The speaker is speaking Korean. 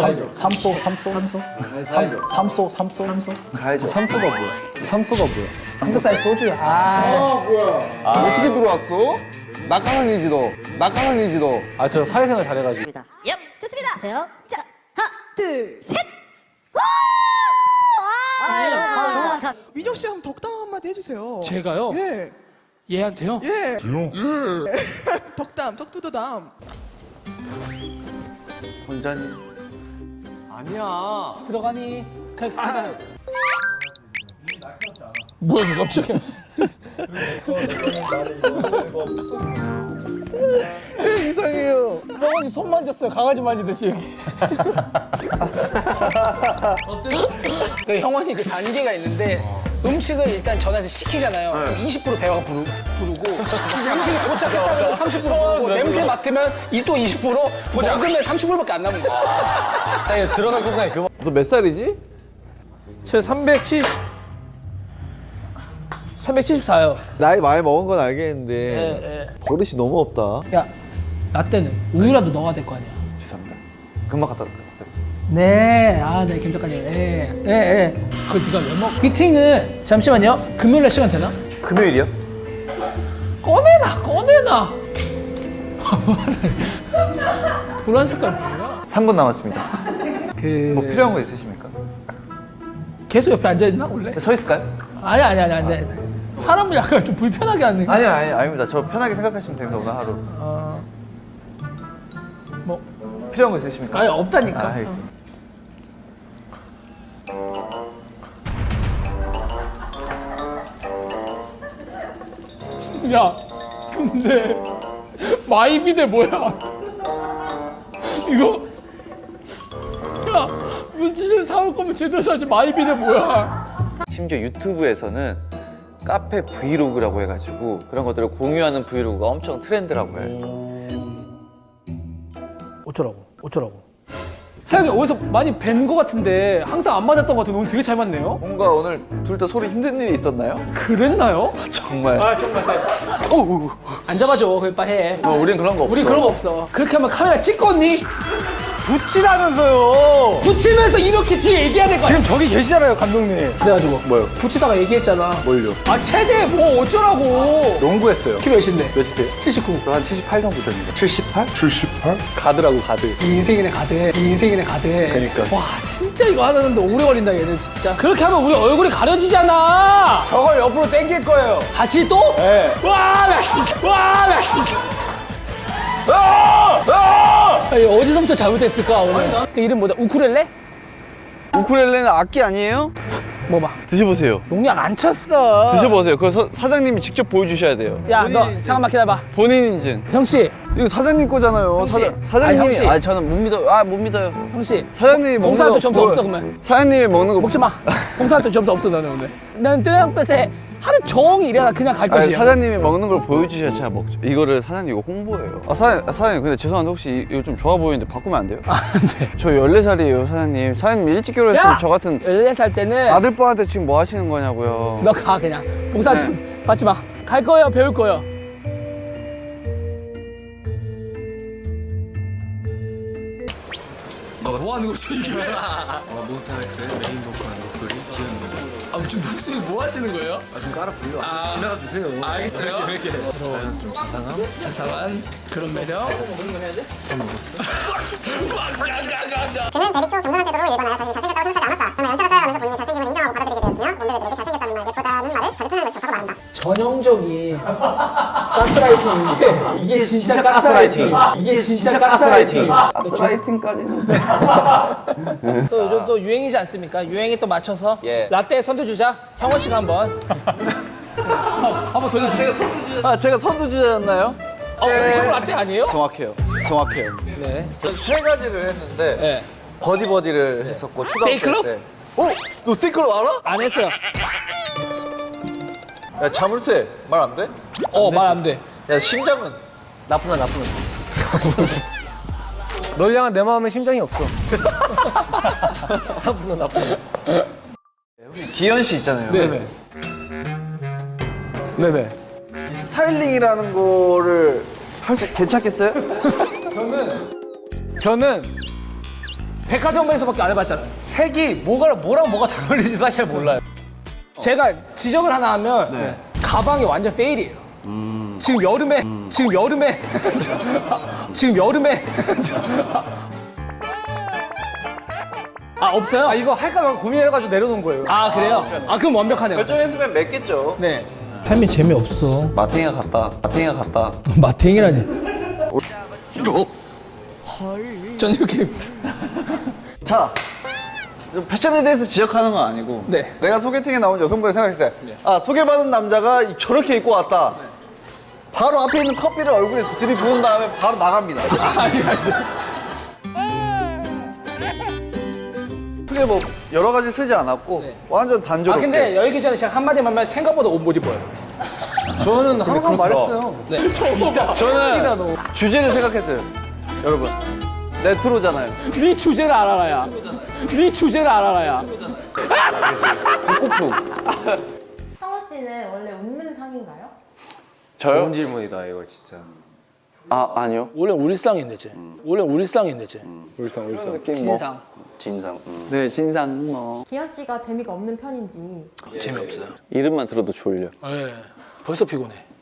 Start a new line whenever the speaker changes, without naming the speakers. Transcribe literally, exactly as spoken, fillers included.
살려. 삼소, 삼소, 삼소. 살려. 삼소, 삼소, 삼소.
가야죠.
삼소가 뭐야? 삼소가 뭐야? 삼겹살 소주야. 아,
아, 어떻게 들어왔어? 낙하산이지 너. 낙하산이지 너.
아, 저 사회생활 잘해가지고.
엽, 좋습니다. 보세요. 자, 하나, 둘, 셋. 와! 와! 아,
민혁 씨 한번 덕담 한마디 해주세요.
제가요?
예.
얘한테요?
예. 예. 덕담, 덕투더담.
혼자니? 아니야.
들어가니? 가, 가. 뭐야, 이거 갑자기.
이상해요.
형원이 손 만졌어요. 강아지 만지듯이 여기. 그 형원이 그 단계가 있는데 음식을 일단 전화해서 시키잖아요. 그럼 이십 퍼센트 배가 부르, 부르고 음식이 도착했다면 삼십 퍼센트 부르고 냄새 맡으면 이 또 이십 퍼센트 먹으면 삼십 퍼센트밖에 안 남은 거야.
아니, 들어가고 그냥 그만.
너 몇 살이지?
저 삼백칠십 삼백칠십사요.
나이 많이 먹은 건 알겠는데
예, 예.
버릇이 너무 없다.
야, 나 때는 우유라도 넣어야 될 거 아니야.
죄송합니다. 금방 갖다 놓을게요.
네, 아, 네, 김작가님. 네, 네, 네. 그걸 네가 왜 먹어? 미팅은 잠시만요. 금요일날 시간 되나?
금요일이요?
꺼내놔, 꺼내놔. 노란 색깔 뭐야?
삼 분 남았습니다.
그
뭐 필요한 거 있으십니까?
계속 옆에 앉아 있나 원래?
서 있을까요?
아니, 아니, 아니, 앉아. 사람을 약간 좀 불편하게 하는.
아니요, 아니, 아닙니다. 저 편하게 생각하시면 됩니다, 오늘 하루.
어, 뭐,
필요한 거 있으십니까?
아니 없다니까.
아, 알겠습니다.
야, 근데 마이비데 뭐야? 이거 야, 물티슈 사올 거면 제대로 사지. 마이비데 뭐야?
심지어 유튜브에서는 카페 브이로그라고 해가지고 그런 것들을 공유하는 브이로그가 엄청 트렌드라고 해요.
어쩌라고? 어쩌라고? 사장님 어디서 많이 뵌 거 같은데 항상 안 맞았던 거 같은데 오늘 되게 잘 맞네요?
뭔가 오늘 둘 다 소리 힘든 일이 있었나요?
그랬나요?
정말.
아 정말. 어, 어, 어. 안 잡아줘. 그걸 빨리 해.
어, 우린 그런 거 없어.
우리 그런 거 없어. 그렇게 하면 카메라 찍겠니?
붙이라면서요!
붙이면서 이렇게 뒤에 얘기해야 될 거 아니야?
지금 저기 계시잖아요, 감독님.
그래가지고
뭐요?
붙이다가 얘기했잖아.
뭘요?
아 최대 뭐 어쩌라고.
농구했어요.
키 몇인데?
몇이세요?
칠십구.
한 칠십팔 정도 됩니다.
칠십팔?
가드라고 가드.
이 인생이네 가대. 이 인생이네 가대.
그러니까.
와 진짜 이거 하는데 오래 걸린다 얘는 진짜. 그렇게 하면 우리 얼굴이 가려지잖아.
저걸 옆으로 당길 거예요.
다시 또?
네.
와, 나 진짜. 와, 나 진짜.
아! 아!
아니, 어디서부터 잘못했을까 오늘? 그 이름 뭐다? 우쿨렐레?
우쿨렐레는 악기 아니에요?
뭐 봐.
드셔보세요.
농약 안 쳤어.
드셔보세요. 그거 서- 사장님이 직접 보여주셔야 돼요.
야, 너 잠깐만 기다려봐.
본인 인증.
형씨,
이거 사장님 거잖아요.
형씨.
사장,
아니,
사장님이.
형씨.
아, 저는 못 믿어요. 아, 못 믿어요.
형씨.
사장님이 먹는
봉사활동
거
점수
뭐-
없어 그러면.
사장님이 먹는 거
먹지 마. 봉사활동 점수 없어 너는 오늘. 난 뜨양볕에 하루 종일 일하다 그냥 갈
아니,
것이야.
사장님이 먹는 걸 보여주셔야 제가 먹죠. 이거를 사장님 이거 홍보예요. 아, 사장님, 아, 사장님 근데 죄송한데 혹시 이거 좀 좋아 보이는데 바꾸면 안 돼요?
안 돼.
저 열네 살이에요, 사장님. 사장님 일찍 결혼했으면
야!
저 같은
열네 살 때는
아들뻘한테 지금 뭐 하시는 거냐고요.
너 가 그냥. 봉사 좀 받지 마. 갈 거예요, 배울 거예요.
뭐 하는 거지 이게? 어, 몬스타엑스의 메인 보컬 목소리 기현입니다. 아, 지금 목소리 뭐 하시는 거예요? 아, 좀 깔아 불러. 아, 지나가 주세요. 알겠어요. 이렇게 자연스러운 자상함,
자상한 그런 매력.
밥 먹었어?
그는 데뷔 초 경상한 태도로 일관하여 자신이 잘생겼다고 생각하지 않았다. 저는 연차를 쌓여가면서 본인의 잘생김을 인정하고 받아들이게 되었으며 몬데들에게 잘생겼다는 말, 예쁘다는 말을 자주 표현하고 싶다고 말한다.
전형적인 가스라이팅인 게 이게 진짜 가스라이팅. 이게 진짜 가스라이팅.
가스라이팅까지는.
또 요즘 또 유행이지 않습니까? 유행에 또 맞춰서
예.
라떼 선두 주자 형원 씨가 한번 어, 한번 돌려주세요.
아, 제가 선두주자였나요?
어, 엄청 라떼 아니에요?
정확해요. 정확해요.
네.
저는 세 가지를 했는데
네.
버디버디를 했었고 초등학생
세이클럽?
때. 어? 너 세이클럽 알아?
안 했어요.
야, 자물쇠 말 안 돼?
어, 말 안 돼.
야, 심장은?
나쁘나, 나쁘나. 널 향한 내 마음에 심장이 없어. 나쁘나, 나쁘나.
기현 씨 있잖아요.
네네. 네네.
이 스타일링이라는 거를 할 수 괜찮겠어요?
저는
백화점에서밖에 안 해봤잖아요. 색이 뭐가 뭐랑 뭐가 잘 어울리는지 사실 몰라요. 제가 지적을 하나 하면 가방이 완전 페일이에요. 지금 여름에 지금 여름에 지금 여름에 아 없어요?
아, 이거 할까 말까 고민해가지고 내려놓은 거예요.
아 그래요? 아 그럼 완벽하네요.
결정했으면 맺겠죠.
네.
삶이 재미없어.
마탱이가 갔다. 마탱이가 갔다.
마탱이라니.
전 이렇게
자, 패션에 대해서 지적하는 건 아니고
네.
내가 소개팅에 나온 여성분을 생각했을 때 아, 소개받은 남자가 저렇게 입고 왔다. 바로 앞에 있는 커피를 얼굴에 들이부은 다음에 바로 나갑니다. 크게 뭐 여러 가지 쓰지 않았고 완전
아
단조롭게.
근데 열기 전에 제가 한마디만 하면 생각보다 옷 못 입어요.
저는 항상 말했어요.
네. 진짜
저는 주제를 생각했어요. 여러분, 레트로잖아요.
네 주제를 알아라야. 네 주제를 알아라야.
북고프.
상호 씨는 원래 웃는 상인가요?
저요?
질문이다 이거 진짜.
아, 아니요.
원래 울상인데 쟤. 원래 울상인데 쟤.
울상 울상.
진상.
진상. 네, 진상 뭐.
기현 씨가 재미가 없는 편인지.
재미없어요.
이름만 들어도 졸려.
네. 벌써 피곤해.